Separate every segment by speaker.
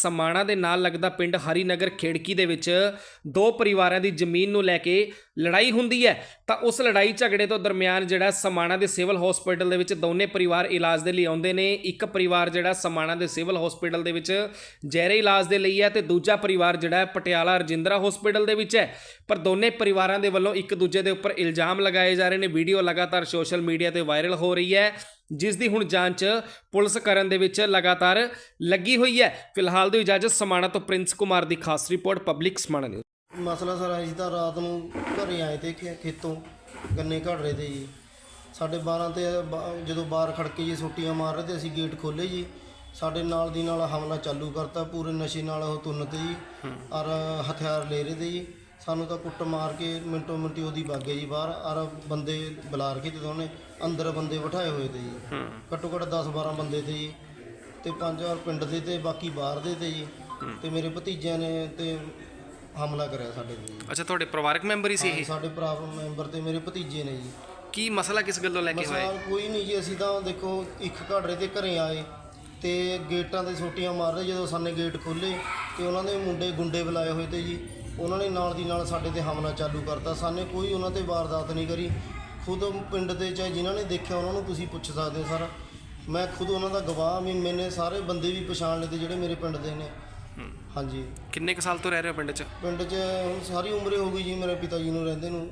Speaker 1: समाणा ਦੇ ਨਾਲ ਲੱਗਦਾ ਪਿੰਡ ਹਰੀਨਗਰ ਖੇੜਕੀ ਦੇ ਵਿੱਚ ਦੋ ਪਰਿਵਾਰਾਂ ਦੀ ਜ਼ਮੀਨ ਨੂੰ ਲੈ ਕੇ ਲੜਾਈ ਹੁੰਦੀ ਹੈ ਤਾਂ ਉਸ ਲੜਾਈ ਝਗੜੇ ਤੋਂ ਦਰਮਿਆਨ ਜਿਹੜਾ समाणा ਦੇ ਸਿਵਲ ਹਸਪੀਟਲ ਦੇ ਵਿੱਚ ਦੋਨੇ ਪਰਿਵਾਰ ਇਲਾਜ ਦੇ ਲਈ ਆਉਂਦੇ ਨੇ। ਇੱਕ ਪਰਿਵਾਰ ਜਿਹੜਾ समाणा ਦੇ ਸਿਵਲ ਹਸਪੀਟਲ ਦੇ ਵਿੱਚ ਜ਼ਹਿਰੇ ਇਲਾਜ ਦੇ ਲਈ ਹੈ ਤੇ ਦੂਜਾ ਪਰਿਵਾਰ ਜਿਹੜਾ ਪਟਿਆਲਾ ਰਜਿੰਦਰਾ ਹਸਪੀਟਲ ਦੇ ਵਿੱਚ ਹੈ। ਪਰ ਦੋਨੇ ਪਰਿਵਾਰਾਂ ਦੇ ਵੱਲੋਂ ਇੱਕ ਦੂਜੇ ਦੇ ਉੱਪਰ ਇਲਜ਼ਾਮ ਲਗਾਏ ਜਾ ਰਹੇ ਨੇ। ਵੀਡੀਓ ਲਗਾਤਾਰ ਸੋਸ਼ਲ ਮੀਡੀਆ ਤੇ ਵਾਇਰਲ ਹੋ ਰਹੀ ਹੈ ਜਿਸ ਦੀ ਹੁਣ ਜਾਂਚ ਪੁਲਿਸ ਕਰਨ ਦੇ ਵਿੱਚ ਲਗਾਤਾਰ ਲੱਗੀ ਹੋਈ ਹੈ। ਫਿਲਹਾਲ ਦੀ ਇਜਾਜ਼ਤ समाणा ਤੋਂ ਪ੍ਰਿੰਸ ਕੁਮਾਰ ਦੀ ਖਾਸ ਰਿਪੋर्ट ਪਬਲਿਕ समाणा ਨਿਊਜ਼।
Speaker 2: ਮਸਲਾ ਸਰ ਅਸੀਂ ਤਾਂ ਰਾਤ ਨੂੰ ਘਰੇ ਆਏ ਤੇ ਖੇਤੋਂ ਗੰਨੇ ਘੜ ਰਹੇ ਤੇ ਜੀ 12:30 ਤੇ ਜਦੋਂ ਬਾਹਰ ਖੜਕੇ ਜੀ ਛੁੱਟੀਆਂ ਮਾਰ ਰਹੇ ਤੇ ਅਸੀਂ ਗੇਟ ਖੋਲ੍ਹੇ ਜੀ। ਸਾਡੇ ਨਾਲ ਦੀ ਨਾਲ ਹਮਲਾ ਚਾਲੂ ਕਰਤਾ। ਪੂਰੇ ਨਸ਼ੇ ਨਾਲ ਉਹ ਤੁੰਨ ਤੇ ਜੀ ਔਰ ਹਥਿਆਰ ਲੈ ਰਹੇ ਤੇ ਜੀ। ਸਾਨੂੰ ਤਾਂ ਕੁੱਟ ਮਾਰ ਕੇ ਮਿੰਟੋ ਮਿੰਟੀ ਉਹਦੀ ਬਾਗੇ ਜੀ ਬਾਹਰ ਔਰ ਬੰਦੇ ਬੁਲਾ ਕੇ ਤੇ ਉਹਨੇ ਅੰਦਰ ਬੰਦੇ ਬਿਠਾਏ ਹੋਏ ਤੇ ਜੀ। ਘੱਟੋ ਘੱਟ 10-12 ਬੰਦੇ ਤੇ ਜੀ ਤੇ 5 ਪਿੰਡ ਦੇ ਤੇ ਬਾਕੀ ਬਾਹਰ ਦੇ ਤੇ ਜੀ। ਤੇ ਮੇਰੇ ਭਤੀਜਿਆਂ ਨੇ ਤੇ ਹਮਲਾ ਕਰਿਆ ਸਾਡੇ ਤੇ ਜੀ।
Speaker 1: ਅੱਛਾ, ਤੁਹਾਡੇ ਪਰਿਵਾਰਕ ਮੈਂਬਰ ਹੀ ਸੀ ਇਹ?
Speaker 2: ਸਾਡੇ ਭਰਾ ਮੈਂਬਰ ਤੇ ਮੇਰੇ ਭਤੀਜੇ ਨੇ ਜੀ।
Speaker 1: ਕੀ ਮਸਲਾ ਕਿਸ ਗੱਲੋਂ ਲੈ ਕੇ ਹੋਇਆ?
Speaker 2: ਮਸਲਾ ਕੋਈ ਨਹੀਂ ਜੀ। ਅਸੀਂ ਤਾਂ ਦੇਖੋ ਇੱਕ ਘਾੜਰੇ ਤੇ ਘਰੇ ਆਏ ਤੇ ਗੇਟਾਂ ਤੇ ਛੋਟੀਆਂ ਮਾਰ ਰਹੇ। ਜਦੋਂ ਸਾਨੇ ਗੇਟ ਖੋਲ੍ਹੇ ਤੇ ਉਹਨਾਂ ਦੇ ਗੁੰਡੇ ਬੁਲਾਏ ਹੋਏ ਤੇ ਜੀ। ਉਹਨਾਂ ਨੇ ਨਾਲ ਦੀ ਨਾਲ ਸਾਡੇ ਤੇ ਹਮਲਾ ਚਾਲੂ ਕਰਤਾ। ਸਾਨੇ ਕੋਈ ਉਹਨਾਂ ਤੇ ਵਾਰਦਾਤ ਨਹੀਂ ਕਰੀ। ਖੁਦ ਪਿੰਡ ਦੇ ਚਾਹੇ ਜਿਨ੍ਹਾਂ ਨੇ ਦੇਖਿਆ ਉਹਨਾਂ ਨੂੰ ਤੁਸੀਂ ਪੁੱਛ ਸਕਦੇ ਹੋ ਸਰ। ਮੈਂ ਖੁਦ ਉਹਨਾਂ ਦਾ ਗਵਾਹ ਵੀ। ਮੈਨੇ ਸਾਰੇ ਬੰਦੇ ਵੀ ਪਛਾਣ ਲਏ ਤੇ ਜਿਹੜੇ ਮੇਰੇ ਪਿੰਡ ਦੇ ਨੇ। ਹਾਂਜੀ।
Speaker 1: ਕਿੰਨੇ ਕੁ ਸਾਲ ਤੋਂ ਰਹਿ ਰਹੇ ਹੋ ਪਿੰਡ 'ਚ?
Speaker 2: ਪਿੰਡ 'ਚ ਹੁਣ ਸਾਰੀ ਉਮਰ ਹੋ ਗਈ ਜੀ। ਮੇਰੇ ਪਿਤਾ ਜੀ ਨੂੰ ਰਹਿੰਦੇ ਨੂੰ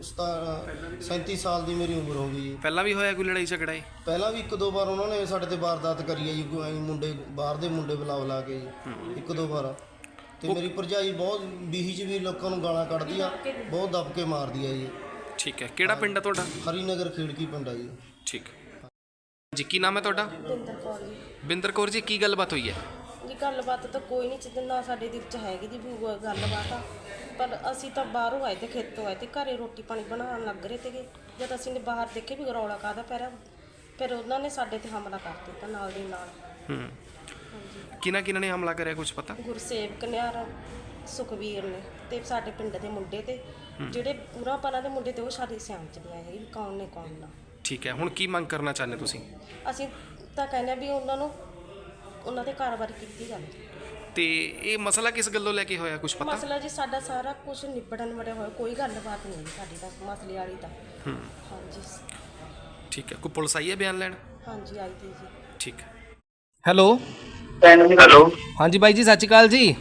Speaker 2: 37 ਸਾਲ ਦੀ ਮੇਰੀ ਉਮਰ ਹੋ ਗਈ ਜੀ।
Speaker 1: ਪਹਿਲਾਂ ਵੀ ਹੋਇਆ ਕੋਈ ਲੜਾਈ ਝਗੜਾ?
Speaker 2: ਪਹਿਲਾਂ ਵੀ 1-2 ਵਾਰ ਉਹਨਾਂ ਨੇ ਸਾਡੇ ਤੇ ਵਾਰਦਾਤ ਕਰੀ ਹੈ ਜੀ। ਮੁੰਡੇ ਬਾਹਰ ਦੇ ਮੁੰਡੇ ਬੁਲਾ ਕੇ ਜੀ 1-2 ਵਾਰ। ਤੇ ਮੇਰੀ ਭਰਜਾਈ ਬਹੁਤ ਬੀਹੀ 'ਚ ਵੀ ਲੋਕਾਂ ਨੂੰ ਗਾਲਾਂ ਕੱਢਦੀ ਆ, ਬਹੁਤ ਦਬ ਕੇ ਮਾਰਦੀ ਆ ਜੀ।
Speaker 1: ਠੀਕ ਹੈ। ਕਿਹੜਾ ਪਿੰਡ ਹੈ ਤੁਹਾਡਾ?
Speaker 2: ਹਰੀਨਗਰ ਖੇੜਕੀ ਪਿੰਡ ਆ ਜੀ।
Speaker 1: ਠੀਕ ਜੀ। ਕੀ ਨਾਮ ਹੈ ਤੁਹਾਡਾ?
Speaker 3: ਬਿੰਦਰ ਕੌਰ ਜੀ।
Speaker 1: ਬਿੰਦਰ ਕੌਰ ਜੀ, ਕੀ ਗੱਲਬਾਤ ਹੋਈ ਹੈ
Speaker 3: ਜੀ? ਗੱਲਬਾਤ ਤਾਂ ਕੋਈ ਨਹੀਂ ਜਿੱਦਾਂ ਨਾ ਸਾਡੇ ਦਿਲ 'ਚ ਹੈਗੀ ਜੀ ਵੀ ਗੱਲਬਾਤ ਆ। ਪਰ ਅਸੀਂ ਤਾਂ ਬਾਹਰੋਂ ਆਏ ਤੇ ਖੇਤੋਂ ਆਏ ਤੇ ਘਰੇ ਰੋਟੀ ਪਾਣੀ ਬਣਾਉਣ ਲੱਗ ਰਹੇ ਤੇਗੇ। ਜਦ ਅਸੀਂ ਨੇ ਬਾਹਰ ਦੇਖੇ ਵੀ ਰੌਲਾ ਕਾਹਦਾ ਪੈ ਰਿਹਾ, ਫਿਰ ਉਹਨਾਂ ਨੇ ਸਾਡੇ ਤੇ ਹਮਲਾ ਕਰ ਦਿੱਤਾ ਨਾਲ ਦੀ ਨਾਲ।
Speaker 1: ਕਿਹਨਾਂ ਨੇ ਹਮਲਾ ਕਰਿਆ ਕੁਝ ਪਤਾ?
Speaker 3: ਗੁਰਸੇਵਕ ਨਿਆਰ, ਸੁਖਵੀਰ ਨੇ ਤੇ ਸਾਡੇ ਪਿੰਡ ਦੇ ਮੁੰਡੇ ਤੇ ਜਿਹੜੇ ਪੂਰਾ ਪਰਾਂ ਦੇ ਮੁੰਡੇ ਤੇ ਉਹ ਸਾਡੀ ਸਿਆਣ 'ਚ ਨਹੀਂ ਆਏ ਵੀ ਕੌਣ ਨੇ ਕੌਣ ਨਾ।
Speaker 1: ਠੀਕ ਹੈ। ਹੁਣ ਕੀ ਮੰਗ ਕਰਨਾ ਚਾਹੁੰਦੇ ਤੁਸੀਂ?
Speaker 3: ਅਸੀਂ ਤਾਂ ਕਹਿੰਦੇ ਆ ਵੀ ਉਹਨਾਂ ਦੇ ਕਾਰੋਬਾਰ ਕੀਤੀ ਜਾਵੇ।
Speaker 1: ਤੇ ਇਹ ਮਸਲਾ ਕਿਸ ਗੱਲੋਂ ਲੈ ਕੇ ਹੋਇਆ ਕੁਝ ਪਤਾ?
Speaker 3: ਮਸਲਾ ਜੀ ਸਾਡਾ ਸਾਰਾ ਕੁਝ ਨਿਬੜਨ ਵੜਿਆ ਹੋਇਆ, ਕੋਈ ਗੱਲਬਾਤ ਨਹੀਂ ਸਾਡੀ ਤਾਂ ਮਸਲੇ ਵਾਲੀ ਤਾਂ। ਹਾਂਜੀ।
Speaker 1: ਠੀਕ ਹੈ। ਕੋਈ ਪੁਲਿਸ ਆਈ ਹੈ ਬਿਆਨ ਲੈਣ?
Speaker 3: ਹਾਂਜੀ ਆਈ ਤੀ ਜੀ।
Speaker 1: ਠੀਕ ਹੈ। Hello
Speaker 4: hello.
Speaker 1: ਹਾਂਜੀ ਬਾਈ ਜੀ, ਸਤਿ ਸ਼੍ਰੀ ਅਕਾਲ ਜੀ।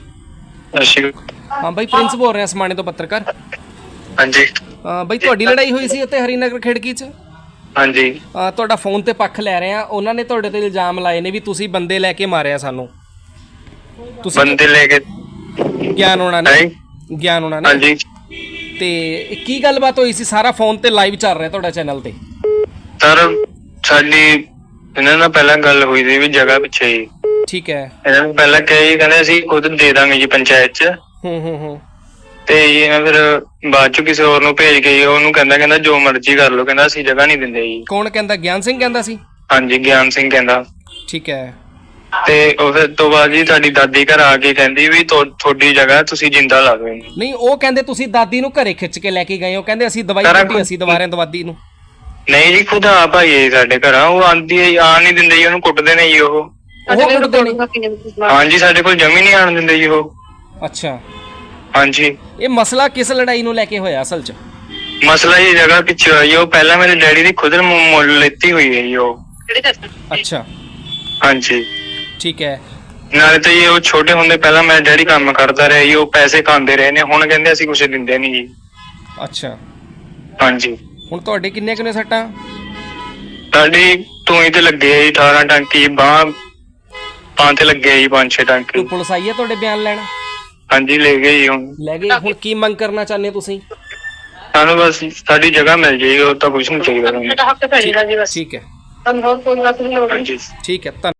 Speaker 1: ਹਾਂ ਬਾਈ, ਪ੍ਰਿੰਸ ਬੋਲ ਰਿਹਾ समाणे ਤੋਂ ਪੱਤਰਕਾਰ।
Speaker 4: ਹਾਂਜੀ
Speaker 1: ਬਾਈ, ਤੁਹਾਡੀ ਲੜਾਈ ਹੋਈ ਸੀ ਉੱਥੇ ਹਰੀਨਗਰ ਖੇੜਕੀ 'ਚ?
Speaker 4: ਹਾਂਜੀ।
Speaker 1: ਤੁਹਾਡਾ ਫੋਨ ਤੇ ਪੱਖ ਲੈ ਰਹੇ ਆ। ਉਹਨਾਂ ਨੇ ਤੁਹਾਡੇ ਤੇ ਇਲਜ਼ਾਮ ਲਾਏ ਨੇ ਵੀ ਤੁਸੀਂ ਬੰਦੇ ਲੈ ਕੇ ਮਾਰਿਆ ਸਾਨੂੰ। ਤੁਸੀਂ
Speaker 4: ਬੰਦੇ ਲੈ ਕੇ
Speaker 1: ਗਿਆਨ ਉਹਨਾਂ ਨੇ
Speaker 4: ਹਾਂਜੀ।
Speaker 1: ਤੇ ਕੀ ਗੱਲਬਾਤ ਹੋਈ ਸੀ? ਸਾਰਾ ਫੋਨ ਤੇ ਲਾਈਵ ਚੱਲ ਰਿਹਾ ਤੁਹਾਡਾ ਚੈਨਲ ਤੇ।
Speaker 4: ਸਰ ਸਾਡੀ ਇਹਨਾਂ ਨਾਲ ਪਹਿਲਾਂ ਗੱਲ ਹੋਈ ਸੀ ਵੀ ਜਗ੍ਹਾ ਪਿੱਛੇ ਹੀ।
Speaker 1: ਠੀਕ ਹੈ।
Speaker 4: ਇਹਨਾਂ ਨੂੰ ਪਹਿਲਾਂ ਕਹਿੰਦੇ ਅਸੀਂ ਖੁਦ ਦੇ ਦਾਂਗੇ ਜੀ ਪੰਚਾਇਤ 'ਚ। ਤੇ ਇਹ ਫਿਰ ਬਾਅਦ ਚ ਕਿਸੇ ਹੋਰ ਨੂੰ ਭੇਜ ਕੇ ਉਹਨੂੰ ਕਹਿੰਦਾ ਜੋ ਮਰਜ਼ੀ ਕਰ ਲਓ, ਕਹਿੰਦਾ ਅਸੀਂ ਜਗ੍ਹਾ ਨਹੀਂ ਦਿੰਦੇ ਜੀ।
Speaker 1: ਕੌਣ ਕਹਿੰਦਾ? ਗਿਆਨ ਸਿੰਘ ਕਹਿੰਦਾ ਸੀ?
Speaker 4: ਹਾਂਜੀ, ਗਿਆਨ ਸਿੰਘ ਕਹਿੰਦਾ।
Speaker 1: ਠੀਕ ਹੈ।
Speaker 4: ਤੇ ਉਹ ਫਿਰ ਤੋਂ ਬਾਅਦ ਜੀ ਸਾਡੀ ਦਾਦੀ ਘਰ ਆ ਕੇ ਕਹਿੰਦੀ ਵੀ ਤੁਹਾਡੀ ਜਗ੍ਹਾ ਤੁਸੀਂ ਜਿੰਦਾ ਲਾ ਦਿਓ।
Speaker 1: ਨਹੀਂ, ਉਹ ਕਹਿੰਦੇ ਤੁਸੀਂ ਦਾਦੀ ਨੂੰ ਘਰੇ ਖਿੱਚ ਕੇ ਲੈ ਕੇ ਗਏ ਹੋ। ਕਹਿੰਦੇ ਅਸੀਂ ਦਵਾਈ ਦਿੱਤੀ, ਅਸੀਂ ਦਵਾਰਿਆਂ ਦਵਾਦੀ ਨੂੰ।
Speaker 4: ਨਹੀਂ ਜੀ, ਖੁਦ ਆਪ ਆਈ ਸਾਡੇ ਘਰ। ਉਹ ਆਉਂਦੀ ਹੈ, ਆਣ ਨਹੀਂ ਦਿੰਦੇ ਜੀ, ਉਹਨੂੰ ਕੁੱਟਦੇ ਨੇ ਜੀ ਉਹ। ਹਾਂਜੀ, ਸਾਡੇ ਕੋਲ ਜਮੀ ਨਹੀਂ ਆਣ ਦਿੰਦੇ ਜੀ ਉਹ।
Speaker 1: ਅੱਛਾ।
Speaker 4: ਹਾਂਜੀ।
Speaker 1: ਇਹ ਮਸਲਾ ਕਿਸ ਲੜਾਈ ਨੂੰ ਲੈ ਕੇ ਹੋਇਆ ਅਸਲ 'ਚ?
Speaker 4: ਮਸਲਾ ਇਹ ਜਗ੍ਹਾ ਪਿੱਛੇ ਹੋਇਆ ਜੀ। ਉਹ ਪਹਿਲਾਂ ਮੇਰੇ ਡੈਡੀ ਦੀ ਖੁਦ ਮੁੱਲ ਲੈਤੀ ਹੋਈ ਹੈ ਜੀ ਉਹ।
Speaker 1: ਅੱਛਾ।
Speaker 4: ਹਾਂਜੀ।
Speaker 1: ਠੀਕ ਹੈ।
Speaker 4: ਨਾਲੇ ਤਾਂ ਜੀ ਉਹ ਛੋਟੇ ਹੁੰਦੇ ਪਹਿਲਾਂ ਮੇਰਾ ਡੈਡੀ ਕੰਮ ਕਰਦਾ ਰਿਹਾ ਜੀ। ਉਹ ਪੈਸੇ ਖਾਂਦੇ ਰਹੇ ਨੇ, ਹੁਣ ਕਹਿੰਦੇ ਅਸੀਂ ਕੁਛ ਦਿੰਦੇ ਨਹੀਂ ਜੀ।
Speaker 1: ਅੱਛਾ।
Speaker 4: ਹਾਂਜੀ।
Speaker 1: ਹੁਣ ਤੁਹਾਡੇ ਕਿੰਨੇ ਸੱਟਾਂ?
Speaker 4: ਸਾਡੀ ਧੂਈ ਤੇ ਲੱਗੇ ਜੀ 18 ਟਾਂਕੀ, ਬਾਂਹ ਤੇ ਲੱਗੇ ਜੀ 5-6 ਟਾਂਕੇ।
Speaker 1: ਪੁਲਿਸ ਆਈ ਹੈ ਤੁਹਾਡੇ ਬਿਆਨ ਲੈਣ?
Speaker 4: ਹਾਂਜੀ, ਲੈ ਗਏ ਜੀ। ਹੁਣ
Speaker 1: ਲੈ ਗਏ। ਹੁਣ ਕੀ ਮੰਗ ਕਰਨਾ ਚਾਹੁੰਦੇ ਤੁਸੀਂ?
Speaker 4: ਸਾਨੂੰ ਬਸ ਸਾਡੀ ਜਗ੍ਹਾ ਮਿਲ ਜਾਏਗੀ, ਹੋਰ ਤਾਂ ਕੁਛ ਨਹੀਂ ਚਾਹੀਦਾ।
Speaker 1: ਠੀਕ ਹੈ।
Speaker 4: ਹਾਂਜੀ।
Speaker 1: ਠੀਕ ਹੈ।